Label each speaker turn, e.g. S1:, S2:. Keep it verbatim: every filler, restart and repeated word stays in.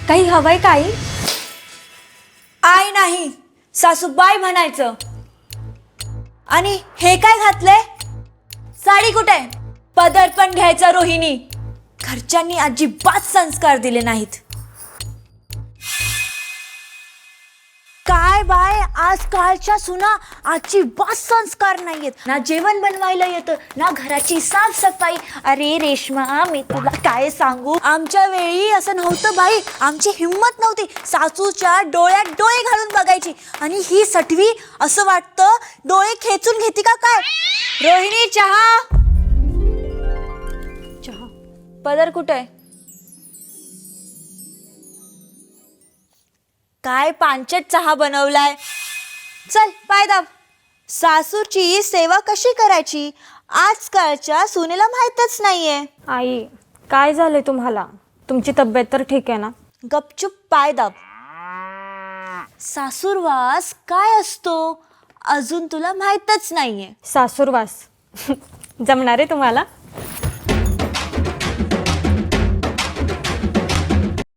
S1: काही हवंय काही? आई नाही, सासूबाई म्हणायचं. आणि हे काय घातलंय? साडी कुठे? पदर पण घ्यायचा रोहिणी. घरच्यांनी अजिबात संस्कार दिले नाहीत. काय बाय, आजकालच्या सुना अजिबात संस्कार नाहीयेत. ना जेवण बनवायला येतं, ना घराची साफसफाई. अरे रेश्मा, मी तुला काय सांगू, आमच्या वेळी असं नव्हतं बाई. आमची हिंमत नव्हती. सासूच्या डोळ्यात डोळे घालून बघायची. आणि ही सटवी असं वाटतं डोळे खेचून घेते का काय. रोहिणी, चहा. चहा. पदर कुठे? काय पांचट चहा बनवलाय. चल पाय दाब. सासूची सेवा कशी करायची आजकालच्या सुनेला माहीतच नाहीये.
S2: आई, काय झालंय तुम्हाला? तुमची तब्येत तर ठीक आहे ना?
S1: गपचूप पाय दाब. सासूरवास काय असतो अजून तुला माहीतच नाहीये.
S2: सासूरवास जमणार आहे तुम्हाला?